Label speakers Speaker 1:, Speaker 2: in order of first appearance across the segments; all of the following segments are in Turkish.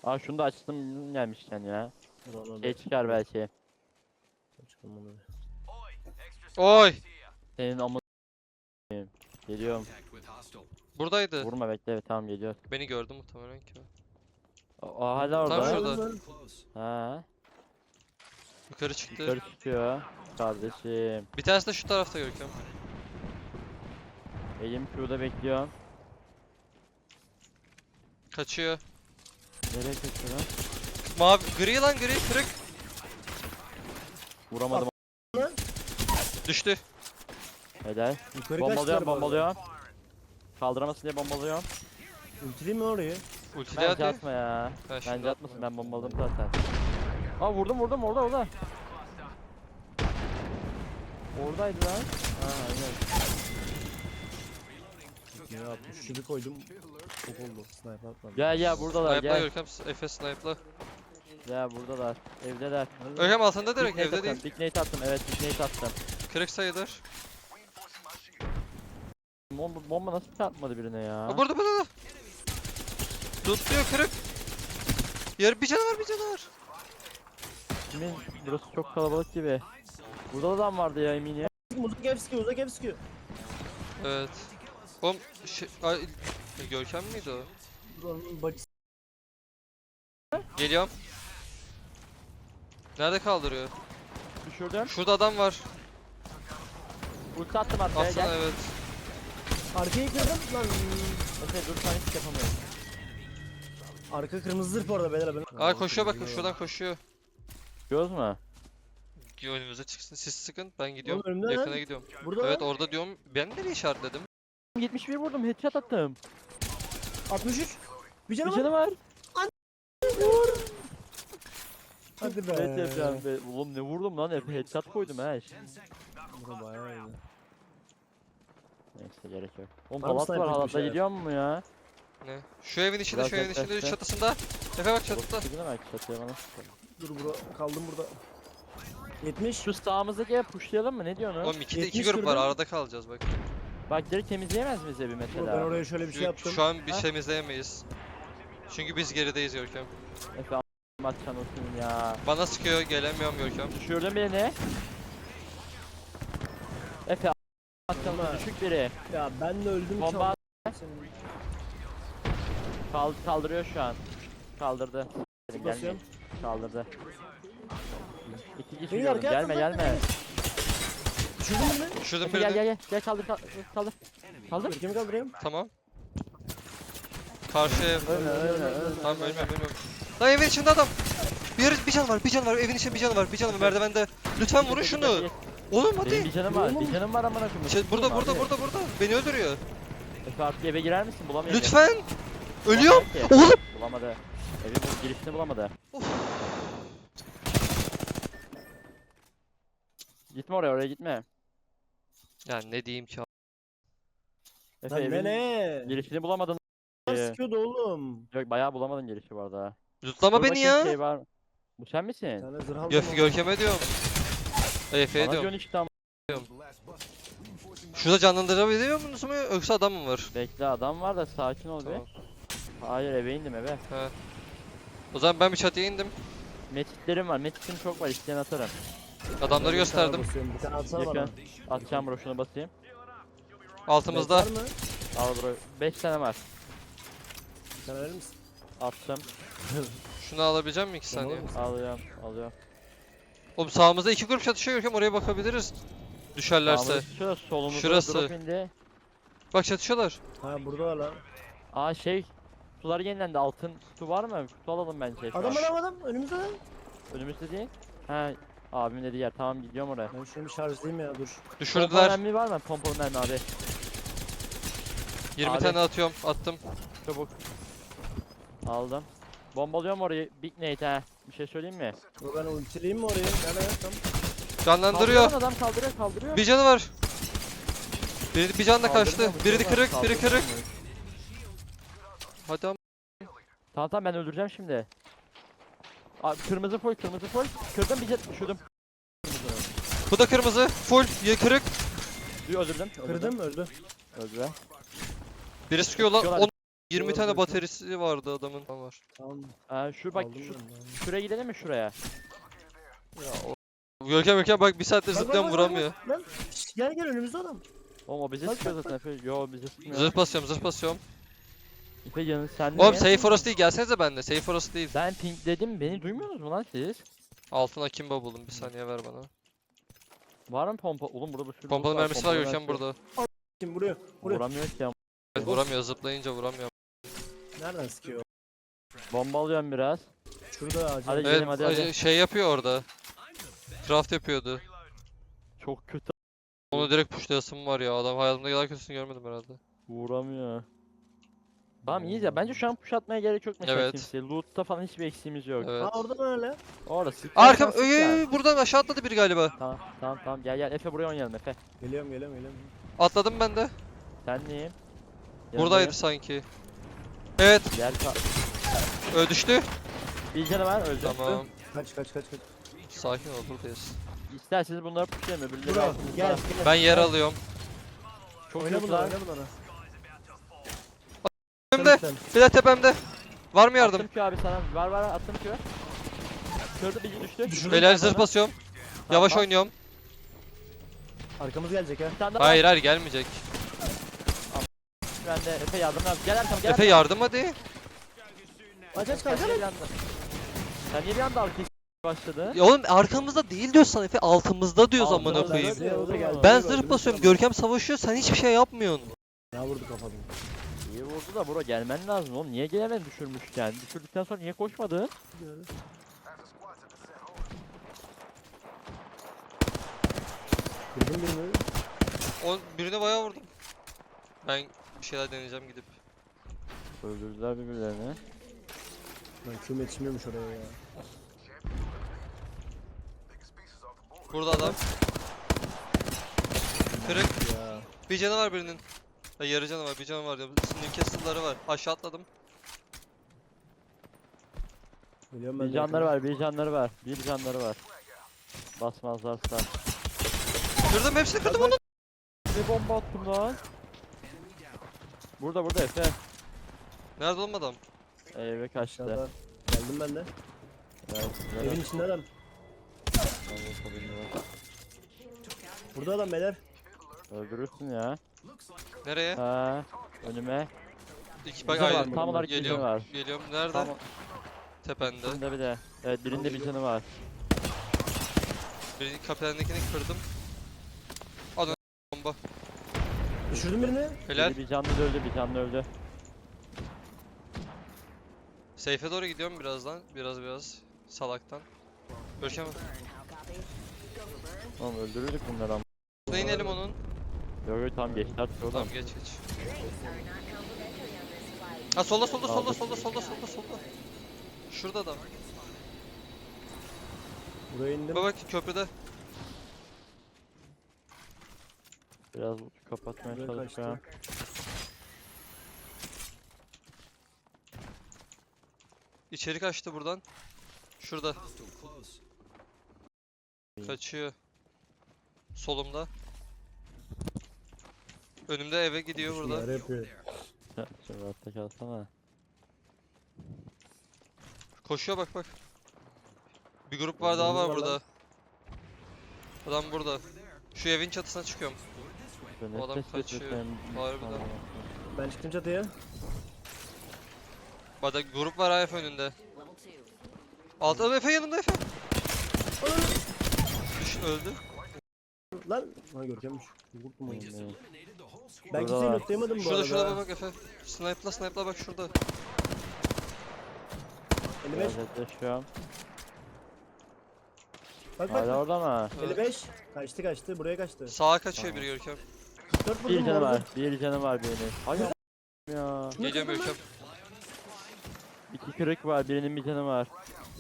Speaker 1: Aa şunu da açtım gelmişken ya. Şey çıkar belki.
Speaker 2: Oy!
Speaker 1: Senin amı geliyorum.
Speaker 2: Buradaydı.
Speaker 1: Vurma bekle tamam geliyor.
Speaker 2: Beni gördü muhtemelen ki.
Speaker 1: O hala orada.
Speaker 2: Tam şurada.
Speaker 1: Ha,
Speaker 2: Yukarı çıktı.
Speaker 1: yukarı çıkıyor. Kardeşim.
Speaker 2: Bir tanesi de şu tarafta Görkem.
Speaker 1: Elim şurada bekliyorum.
Speaker 2: Kaçıyor.
Speaker 1: Nereye kaçıyor lan?
Speaker 2: Mavi, gri lan gri, kırık.
Speaker 1: Vuramadım.
Speaker 2: Düştü.
Speaker 1: Helal.
Speaker 3: Yukarı
Speaker 1: Bombalıyorum
Speaker 3: kaçtılar bu arada.
Speaker 1: bombalıyorum. Kaldıramasın diye bombalıyorum.
Speaker 3: Ultileyim mi orayı?
Speaker 2: Ultili
Speaker 1: Bence
Speaker 2: hadi.
Speaker 1: atma ya.
Speaker 2: Ha, şimdi
Speaker 1: Bence atmasın,
Speaker 2: atma.
Speaker 1: ben bombaladım zaten. Aa vurdum orada. Oradaydı lan. Ha aynen.
Speaker 3: Ya 63'ü koydum. Çok oldu. Sniper atmadım.
Speaker 1: Gel buradalar
Speaker 2: Snipe'la
Speaker 1: gel.
Speaker 2: Görkem, Efe snipe'la.
Speaker 1: Ya buradalar. Evdeler.
Speaker 2: Görkem altında direkt,
Speaker 1: Big nade
Speaker 2: evde değil.
Speaker 1: attım, Big nade attım. Evet Big nade attım.
Speaker 2: Kırık sayılır.
Speaker 1: Bomba nasıl çarpmadı birine ya?
Speaker 2: Aa, burada. Tutluyor kırık. Bir canavar.
Speaker 1: Kimin? Burası çok kalabalık gibi. Burada adam vardı ya eminim.
Speaker 3: Uzak ev sıkıyor.
Speaker 2: Evet. Oğlum ay, Görkem miydi o?
Speaker 3: Buranın bacısı.
Speaker 2: Geliyorum. Nerede kaldırıyor?
Speaker 1: Düşürdüm.
Speaker 2: Şurada adam var.
Speaker 1: Ulti attım arkaya
Speaker 2: Atsana
Speaker 1: gel.
Speaker 2: evet.
Speaker 3: Arkayı kırdım lan.
Speaker 1: Efe dur sen hiç yapamıyorum.
Speaker 3: Arka kırmızı zırh bu arada beyler ben.
Speaker 2: Aa koşuyor bakın şuradan koşuyor.
Speaker 1: Göz mü?
Speaker 2: Önümüze çıksın siz sıkın ben gidiyorum.
Speaker 3: Oğlum önümde
Speaker 2: Yakına
Speaker 3: lan.
Speaker 2: gidiyorum.
Speaker 3: Burada
Speaker 2: Evet
Speaker 3: lan.
Speaker 2: orada diyorum. Ben nereye işaretledim?
Speaker 1: 71 vurdum headshot attım.
Speaker 3: 63. Bir
Speaker 1: Bir
Speaker 3: canım var.
Speaker 1: canı var.
Speaker 3: Hadi be.
Speaker 1: Evet yapacağım be. Oğlum ne vurdum lan Efe headshot koydum ha.
Speaker 3: Bura bayağı iyi.
Speaker 1: Neyse gerek yok. Oğlum
Speaker 3: Var mı
Speaker 1: halat var
Speaker 3: sniper bir
Speaker 1: halatla
Speaker 3: şeyler?
Speaker 1: gidiyor mu ya?
Speaker 2: Ne? Şu evin içinde
Speaker 1: Biraz
Speaker 2: şu evin içinde
Speaker 1: yaklaştı.
Speaker 2: çatısında. Efe bak çatıda.
Speaker 1: Çatıda belki çatıya bana sıkalım.
Speaker 3: Dur kaldım burada. 70.
Speaker 1: Şu sağımızdaki ev pushlayalım mı ne diyorsun?
Speaker 2: Oğlum 2'de 2
Speaker 3: 70
Speaker 2: grup var
Speaker 3: kırdım.
Speaker 2: arada kalacağız bak.
Speaker 1: Bak direkt temizleyemez miyiz evi
Speaker 3: Dur, ben
Speaker 1: mesela?
Speaker 3: oraya şöyle bir şey yaptım.
Speaker 2: Şu an bir
Speaker 1: Ha?
Speaker 2: temizleyemeyiz. Çünkü biz gerideyiz Görkem.
Speaker 1: Efe a**maçan olsun ya.
Speaker 2: Bana sıkıyor gelemiyorum Görkem.
Speaker 1: Düşürdün beni. Efe a**maçan
Speaker 3: Bomba.
Speaker 1: düşük biri.
Speaker 3: Ya ben de öldüm
Speaker 1: Bomba
Speaker 3: Senin-
Speaker 1: kaldırıyor şu an. Kaldırdı.
Speaker 3: Basıyorum.
Speaker 1: Gelme. Kaldırdı. İki kişi
Speaker 3: Beni
Speaker 1: yiyorum.
Speaker 3: arkaya
Speaker 1: Gelme
Speaker 3: atın,
Speaker 1: gelme.
Speaker 3: Düşürdün mü?
Speaker 2: Şuradan
Speaker 1: Efe gel
Speaker 2: birini.
Speaker 1: gel kaldır kaldır. Kaldır.
Speaker 3: Ülkemi kaldırayım.
Speaker 2: Tamam. Karşı ev.
Speaker 1: Ölme.
Speaker 2: Tamam ölmem. Lan evin içinde adam. Bir can var. Evin içinde bir can var merdivende. Lütfen vurun şunu. Oğlum
Speaker 1: Benim
Speaker 2: hadi.
Speaker 1: bir canım var. Bir canım var amına koyayım.
Speaker 2: Burada.
Speaker 1: Abi.
Speaker 2: Beni öldürüyor.
Speaker 1: Efe artık eve girer misin? Bulamıyorum.
Speaker 2: Lütfen. Ölüyorum.
Speaker 1: Bulamadı ki.
Speaker 2: Oğlum.
Speaker 1: Bulamadı. Evin bu girişini bulamadı.
Speaker 2: Of.
Speaker 1: Gitme oraya gitme.
Speaker 2: Ya ne diyeyim ki.
Speaker 1: Efe
Speaker 3: Lan
Speaker 1: evin
Speaker 3: ne?
Speaker 1: girişini bulamadın.
Speaker 3: Sıkıyordu oğlum.
Speaker 1: Yok bayağı bulamadın girişi bu arada.
Speaker 2: Lütlama
Speaker 1: Dur
Speaker 2: beni
Speaker 1: bakayım
Speaker 2: ya.
Speaker 1: Şey var. Bu sen
Speaker 3: Bir
Speaker 1: misin?
Speaker 3: tane zırh aldım.
Speaker 2: Görkem'e diyorum. Efe'ye
Speaker 1: Bana
Speaker 2: diyorum.
Speaker 1: diyorsun işte ama.
Speaker 2: Şurada canlandırabiliyor musunuz mu yoksa adam mı var?
Speaker 1: Bekle adam var da sakin ol
Speaker 2: Tamam.
Speaker 1: be. Hayır eve indim eve.
Speaker 2: He. O zaman ben bir çatıya indim.
Speaker 1: Metitlerim var. Metitim çok var. İsteyen atarım.
Speaker 2: Adamları gösterdim.
Speaker 3: Bir tane atsana bana.
Speaker 1: Yakın. Atacağım bro şunu basayım.
Speaker 2: Altımızda.
Speaker 3: Var mı?
Speaker 1: Al bro. 5 tane var.
Speaker 3: Bir tane verir misin?
Speaker 1: Attım.
Speaker 2: Şunu alabileceğim mi 2
Speaker 3: Sen
Speaker 2: saniye?
Speaker 3: alır mısın?
Speaker 1: Alıyorum.
Speaker 2: Oğlum sağımızda 2 grup çatışıyor Görkem oraya bakabiliriz. Düşerlerse.
Speaker 1: Şurası solumuzda
Speaker 2: Şurası.
Speaker 1: drop indi.
Speaker 2: Bak çatışıyorlar.
Speaker 3: Ha burada var lan.
Speaker 1: Aa şey. Kutular yenilendi. Altın kutu var mı? Kutu alalım bence. şu an.
Speaker 3: Adam önümüzde lan.
Speaker 1: Önümüzde değil. He. Abim dediği yer. Tamam gidiyorum oraya.
Speaker 3: Ben şunu bir şarjlayayım ya dur.
Speaker 1: Pompalı
Speaker 2: Düşürdüler.
Speaker 1: mermi var mı? Pompalı mermi abi.
Speaker 2: 20
Speaker 1: Abi.
Speaker 2: tane atıyorum. Attım.
Speaker 1: Çabuk. Aldım. Bombalıyorum orayı. Big nade ha. Bir şey söyleyeyim mi?
Speaker 3: Dur ben ultileyim mi orayı? Nerede tam?
Speaker 2: Canlandırıyor.
Speaker 1: Kaldırıyor adam kaldırıyor.
Speaker 2: Bir canı var. Bir can da kaçtı.
Speaker 1: Kaldırmıyor mu?
Speaker 2: Biri de
Speaker 1: Kaldırmıyor
Speaker 2: kırık, biri
Speaker 1: mu?
Speaker 2: kırık. Hadi ama.
Speaker 1: Tamam ben öldüreceğim şimdi. Abi kırmızı full. Kırdım bir jet düşürdüm.
Speaker 2: Bu da kırmızı. Full. Kırık.
Speaker 1: Öldürdüm.
Speaker 3: Kırdım öldü.
Speaker 1: Öldü.
Speaker 2: Biri sıkıyor lan.
Speaker 1: Sıkıyorlar.
Speaker 2: 20
Speaker 3: Doğru
Speaker 2: tane
Speaker 3: diyorsun.
Speaker 2: bataryası vardı adamın. Tamam var.
Speaker 3: Tamam.
Speaker 1: Şu bak
Speaker 3: aldım
Speaker 1: şu,
Speaker 3: ben de.
Speaker 1: şuraya gidelim mi şuraya?
Speaker 2: Görkem bak bir saattir
Speaker 3: Bak,
Speaker 2: zıplayan
Speaker 3: bak,
Speaker 2: vuramıyor.
Speaker 3: bak, Lan şş, gel gel önümüzde adam.
Speaker 1: Oğlum o bize
Speaker 3: Bak,
Speaker 1: sıkıyor
Speaker 3: bak,
Speaker 1: zaten Efe. Yo bize sıkmıyor.
Speaker 2: Zırh basıyorum zırh basıyorum.
Speaker 1: Efe yanı sen
Speaker 2: Oğlum
Speaker 1: niye?
Speaker 2: safe orası değil gelsenize benimle. Safe orası değil.
Speaker 1: Ben ping dedim beni duymuyorsunuz mu lan siz?
Speaker 2: Altına kimba buldum bir saniye ver bana.
Speaker 1: Var mı pompa? Oğlum burada bir sürü
Speaker 2: Pompalı
Speaker 1: loot
Speaker 2: mermisi var
Speaker 1: pompalı
Speaker 2: Görkem
Speaker 1: mermisi.
Speaker 2: burada.
Speaker 3: Şimdi buraya. Buraya.
Speaker 1: Vuramıyor ki ya.
Speaker 2: Evet, vuramıyor zıplayınca vuramıyor.
Speaker 3: Nereden sıkıyor?
Speaker 1: Bomba alıyorum biraz.
Speaker 3: Şurada ağacın.
Speaker 1: Hadi
Speaker 2: Evet
Speaker 1: gidelim, hadi.
Speaker 2: şey yapıyor orada. Craft yapıyordu.
Speaker 1: Çok kötü.
Speaker 2: Onu direkt pushlayasım var ya adam hayatımda kadar kötüsünü görmedim herhalde.
Speaker 1: Vuramıyor. Tamam iyiyiz ya. Bence şu an push atmaya gerek yok mesela
Speaker 2: Evet.
Speaker 1: kimseye. Loot'ta falan hiçbir eksiğimiz yok.
Speaker 2: Evet.
Speaker 3: Aa orada böyle.
Speaker 1: Orada sık.
Speaker 2: Arkam
Speaker 1: sık ya.
Speaker 2: buradan aşağı atladı biri galiba.
Speaker 1: Tamam tamam tamam gel gel Efe buraya oynayalım Efe.
Speaker 3: Geliyorum geliyorum geliyorum.
Speaker 2: Atladım ben de.
Speaker 1: Sen neyim?
Speaker 2: Buradaydı sanki. Evet
Speaker 1: Gel
Speaker 2: düştü.
Speaker 1: bir canı var öldü.
Speaker 2: Tamam.
Speaker 3: Kaç kaç kaç kaç.
Speaker 2: Sakin ol buradayız.
Speaker 1: İsterseniz bunları pushlayalım öbürleri
Speaker 3: Buraya
Speaker 1: altımızda.
Speaker 3: gel.
Speaker 2: Ben yer alıyorum.
Speaker 1: Çok
Speaker 3: Oyna bunlara
Speaker 1: kötüler.
Speaker 3: oyna bunlara.
Speaker 2: Önümde. Bir de tepemde. Var mı yardım?
Speaker 1: Attım ki abi sana. Var attım ki. Kırdı bir düştü.
Speaker 3: Düşürdüm.
Speaker 2: Beyler
Speaker 1: Ben
Speaker 2: zırh
Speaker 1: bana.
Speaker 2: basıyorum.
Speaker 1: Tamam,
Speaker 2: Yavaş
Speaker 1: bas.
Speaker 2: oynuyorum.
Speaker 3: Arkamız gelecek ha.
Speaker 1: Bir tane daha
Speaker 2: Hayır hayır gelmeyecek.
Speaker 1: Ben de Efe yardım lazım. Gel arkam gel.
Speaker 2: Efe yardım hadi.
Speaker 3: Aç aç
Speaker 1: Sen
Speaker 3: kaç.
Speaker 1: niye bir anda? Sen niye bir anda arkaya başladın?
Speaker 2: Ya oğlum arkamızda değil diyorsan Efe altımızda diyoruz amına
Speaker 1: Altımızda,
Speaker 2: koyayım.
Speaker 1: evet.
Speaker 3: O da geldi.
Speaker 2: Ben zırh basıyorum. Görkem savaşıyor sen hiçbir şey yapmıyorsun.
Speaker 3: Ya vurdu kafadan.
Speaker 1: İyi vurdu da bro gelmen lazım oğlum. Niye gelemedin düşürmüşken? Düşürdükten sonra niye koşmadın?
Speaker 3: Kırdım birini.
Speaker 2: Birine bayağı vurdum. Ben bir şeyler deneyeceğim gidip.
Speaker 1: Öldürdüler birbirlerini.
Speaker 3: Lan küm yetişmiyormuş oraya ya.
Speaker 2: Burada adam. Kırık.
Speaker 3: Ya.
Speaker 2: Bir canı var birinin. Ha, yarı canı var, bir canı var diyorum. Newcastle'ları var. Aşağı atladım.
Speaker 3: Geliyorum ben
Speaker 1: Bir
Speaker 3: de
Speaker 1: canları
Speaker 3: yakına.
Speaker 1: var, bir canları var, bir canları var. Basmazlarsa.
Speaker 2: Kırdım hepsini kırdım onu.
Speaker 1: Ne bomba attım lan? Burada Efe.
Speaker 2: Nerede oğlum adam?
Speaker 1: Eve kaçtı.
Speaker 3: Aşağıda. Geldim ben de.
Speaker 1: Evet, güzel
Speaker 3: Evin içinde adam.
Speaker 1: oldu.
Speaker 3: Burada adam beyler.
Speaker 1: Öldürürsün ya.
Speaker 2: Nereye?
Speaker 1: Ha, önüme.
Speaker 2: İki bak
Speaker 1: Bize var,
Speaker 2: aynen.
Speaker 1: tam olarak bize
Speaker 2: Geliyorum.
Speaker 1: var.
Speaker 2: Geliyorum. Nerede?
Speaker 1: Tamam.
Speaker 2: Tepende.
Speaker 1: Birinde bir de. Evet, birinde bir canı var.
Speaker 2: Birinin kapitandakini kırdım. Adam bomba.
Speaker 3: Düşürdüm birini.
Speaker 2: Helal.
Speaker 1: Bir canlı öldü, bir canlı öldü.
Speaker 2: Seyfe doğru gidiyorum birazdan. Biraz. Salaktan. Görkem.
Speaker 1: Oğlum öldürürdük bunları ama.
Speaker 2: Ne inelim onun?
Speaker 1: Yok tam geçti artık oradan.
Speaker 2: Tamam geç. Ha solda. Şurada adam.
Speaker 3: Buraya indim.
Speaker 2: Bak köprüde.
Speaker 1: Biraz kapatmaya
Speaker 3: Buraya
Speaker 1: çalışacağım.
Speaker 2: İçeri kaçtı buradan. Şurada. Kaçıyor. Solumda. Önümde eve gidiyor burada.
Speaker 3: Şunları yapıyor.
Speaker 1: Şimdi rahatta kalsana.
Speaker 2: Koşuyor bak. Bir grup var daha var
Speaker 3: Var lan.
Speaker 2: burada. Adam burada. Şu evin çatısına çıkıyorum.
Speaker 1: Böyle
Speaker 2: O adam
Speaker 1: nefes
Speaker 2: kaçıyor.
Speaker 1: nefesem-
Speaker 2: Harbiden.
Speaker 1: Tamam.
Speaker 3: Ben çıktım çatıya.
Speaker 2: Bak grup var AF önünde. Altta Efe yanımda Efe. Öldü.
Speaker 3: Lan. Ha Görkemmiş. Vurdum onu.
Speaker 1: Oğlum,
Speaker 3: Ben
Speaker 1: Burada
Speaker 3: kimseyi
Speaker 1: var.
Speaker 3: lootlayamadım bu
Speaker 2: Şurada
Speaker 3: arada.
Speaker 2: bak Efe. Snipe'la bak şurada.
Speaker 3: 55.
Speaker 1: Biraz yaklaşıyorum.
Speaker 3: Bak
Speaker 1: Hala
Speaker 3: bak.
Speaker 1: orada mı?
Speaker 3: 55. Kaçtı. Buraya kaçtı.
Speaker 2: Sağa kaçıyor biri Görkem.
Speaker 3: 44
Speaker 1: Bir
Speaker 3: vurdum
Speaker 1: canı
Speaker 3: orada.
Speaker 1: var, bir canı var birinin. Hayır ya.
Speaker 2: Geliyorum Görkem.
Speaker 1: İki kırık var, birinin bir canı var.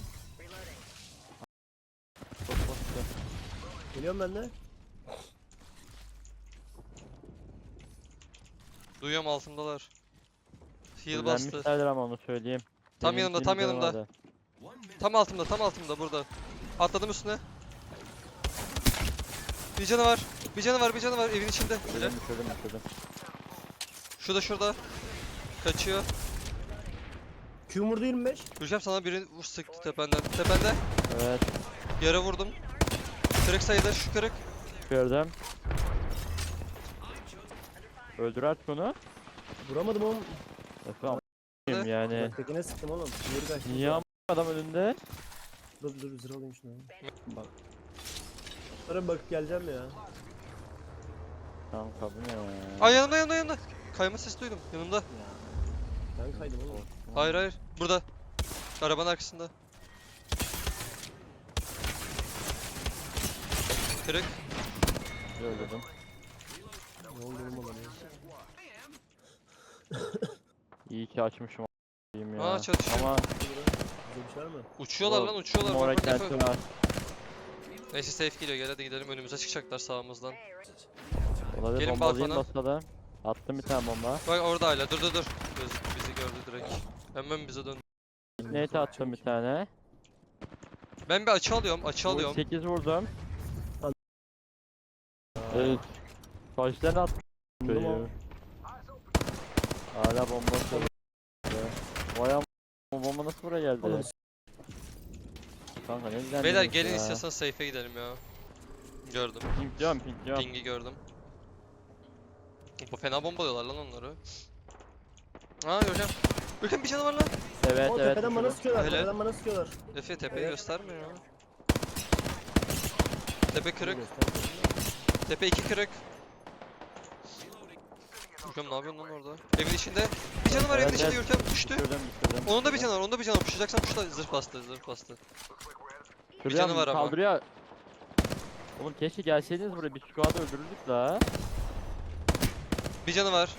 Speaker 1: Çok bastı.
Speaker 3: Geliyorum ben de.
Speaker 2: Duyuyorum altımdalar. Heal bastı.
Speaker 1: Öğrenmişlerdir ama onu söyleyeyim.
Speaker 2: Tam
Speaker 1: Benim
Speaker 2: yanımda,
Speaker 1: bir
Speaker 2: tam
Speaker 1: canı
Speaker 2: yanımda.
Speaker 1: vardı.
Speaker 2: Tam altımda burada. Atladım üstüne. Bir canı var evin içinde.
Speaker 1: Düşürdüm.
Speaker 2: Şurada. Kaçıyor.
Speaker 3: Q vurdu 25.
Speaker 2: Görkem sana birini vur sıktı tependen. Tepende.
Speaker 1: Evet.
Speaker 2: Yere vurdum. Kırık sayıda şu kırık.
Speaker 1: Gördüm. Öldür artık onu.
Speaker 3: Vuramadım oğlum.
Speaker 1: Efendim yani.
Speaker 3: Tekine sıktım oğlum. Geri kaçtı.
Speaker 1: Niye adam önünde?
Speaker 3: Dur zırh alayım şunu. Bak. Sonra bakıp geleceğim ya.
Speaker 1: Tamam kabul ya.
Speaker 2: Ay yanımda. Kayma sesi duydum yanımda.
Speaker 3: Ben kaydım oğlum.
Speaker 2: Hayır. Burada. Arabanın arkasında. Kırık.
Speaker 1: Öldürdüm.
Speaker 3: Ne oldu oğlum bana ya?
Speaker 1: İyi ki açmışım a**ayım ya.
Speaker 2: Aa, çatışıyor.
Speaker 1: Ama
Speaker 3: Bize bir şey var mı?
Speaker 2: Uçuyorlar lan uçuyorlar.
Speaker 1: mora
Speaker 2: Bak, bak,
Speaker 1: kenti
Speaker 2: bak.
Speaker 1: var.
Speaker 2: Neyse safe geliyor gel hadi gidelim önümüze çıkacaklar sağımızdan.
Speaker 1: Olabilir,
Speaker 2: Gelin
Speaker 1: bombalayayım
Speaker 2: balkona.
Speaker 1: basalım. Attım bir tane bomba.
Speaker 2: Bak orada hala dur. Bizi gördü direkt. Hemen bize dön.
Speaker 1: Nate attım bir tane.
Speaker 2: Ben bir açı alıyorum.
Speaker 1: 8 vurdum.
Speaker 3: Hadi.
Speaker 1: Evet. Kaçtan at.
Speaker 3: Vurdum ama.
Speaker 1: Hala bomba atıyor. Vay am. Bu bomba nasıl buraya geldi?
Speaker 3: Oğlum,
Speaker 1: Kanka ne güzel.
Speaker 2: Beyler
Speaker 1: demiş
Speaker 2: gelin
Speaker 1: ya.
Speaker 2: istiyorsan safe'e gidelim ya. Gördüm.
Speaker 1: Pink diyorum.
Speaker 2: Ping'i gördüm. Bu fena bombalıyorlar lan onları. Aa göreceğim. Bakın bir canı var lan.
Speaker 1: Evet
Speaker 3: O
Speaker 1: evet.
Speaker 3: tepeden bana
Speaker 1: düşürdüm.
Speaker 3: sıkıyorlar.
Speaker 2: Öyle.
Speaker 3: Tepeden bana sıkıyorlar.
Speaker 2: Efe tepeyi
Speaker 3: Evet.
Speaker 2: gösterme ya. Tepe kırık. Tepe 2 kırık. Görkem ne yapıyorsun lan orada? Evin içinde. Bir canı var evin
Speaker 1: Evet,
Speaker 2: içinde
Speaker 1: evet.
Speaker 2: Görkem düştü.
Speaker 1: Düşürdüm.
Speaker 2: Onun da bir canı var. Puşlayacaksan puşla. Zırh bastı.
Speaker 1: Şuraya
Speaker 2: canı var ama.
Speaker 1: kaldırıyor. Oğlum keşke gelseydiniz buraya, bir squad'ı öldürürdük la.
Speaker 2: Bir canı var.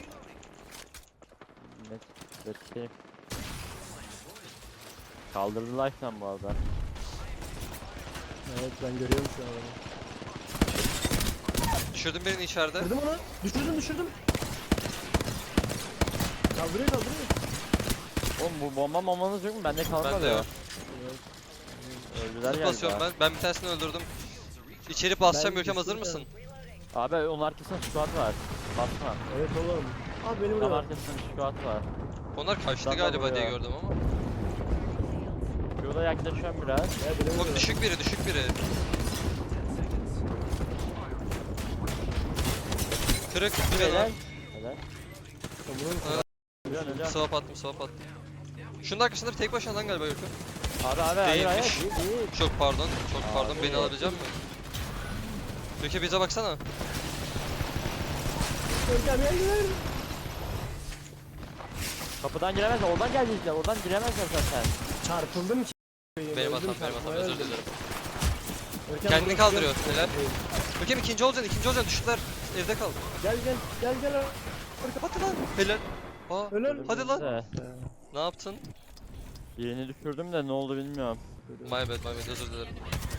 Speaker 1: Net. Kaldırdı life'dan bu arada.
Speaker 3: Evet ben görüyorum şu an adamı.
Speaker 2: Düşürdüm birini içeride.
Speaker 3: Kırdım onu. Düşürdüm. Kaldırıyor.
Speaker 1: Oğlum bu bomba mamanız yok mu? Bende kalmadı.
Speaker 2: Bende yok.
Speaker 3: Evet.
Speaker 1: Öldüler
Speaker 2: Zırh
Speaker 1: galiba.
Speaker 2: basıyorum ben. Ben bir tanesini öldürdüm. İçeri basacağım
Speaker 3: Ben
Speaker 2: Görkem hazır
Speaker 3: düştüm
Speaker 2: mısın?
Speaker 1: Abi onun arkasında squad var. Basma.
Speaker 3: Evet oğlum. Abi beni
Speaker 1: Tam
Speaker 3: vuruyor.
Speaker 1: arkasında squad var.
Speaker 2: Onlar kaçtı
Speaker 1: Sen de
Speaker 2: galiba diye
Speaker 1: buraya.
Speaker 2: gördüm ama.
Speaker 1: Şurada yaklaşıyorum biraz.
Speaker 3: Ya beni
Speaker 2: Oğlum
Speaker 3: vuruyor.
Speaker 2: düşük biri. Kırık bir
Speaker 1: Helal.
Speaker 2: canı.
Speaker 1: Helal.
Speaker 3: Vurun.
Speaker 1: Ölüyorsun.
Speaker 2: Swap attım. Şunun arkasında bir tek başına lan galiba Görkem.
Speaker 1: Abi hayır.
Speaker 2: Değilmiş.
Speaker 1: Değil.
Speaker 2: Çok pardon.
Speaker 1: Abi.
Speaker 2: Beni alabilecek misin? Görkem bize baksana.
Speaker 3: Görkem gel.
Speaker 1: Kapıdan giremezler. Oradan gelecekler. Oradan giremezler zaten.
Speaker 3: Çarpıldım ki.
Speaker 2: Benim
Speaker 3: Öldüm,
Speaker 2: hatam
Speaker 3: çarpmaya
Speaker 2: özür
Speaker 3: öldüm.
Speaker 2: dilerim.
Speaker 3: Görkem
Speaker 2: Kendini
Speaker 3: burası
Speaker 2: kaldırıyor,
Speaker 3: yok.
Speaker 2: helal. Görkem ikinci olacaksın düştüler. Evde kal.
Speaker 3: Gel.
Speaker 2: Hadi lan. Helal. Aa,
Speaker 3: Helal.
Speaker 2: hadi lan.
Speaker 1: De.
Speaker 2: Ne yaptın?
Speaker 1: Birini düşürdüm de ne oldu bilmiyorum.
Speaker 2: My bad özür dilerim.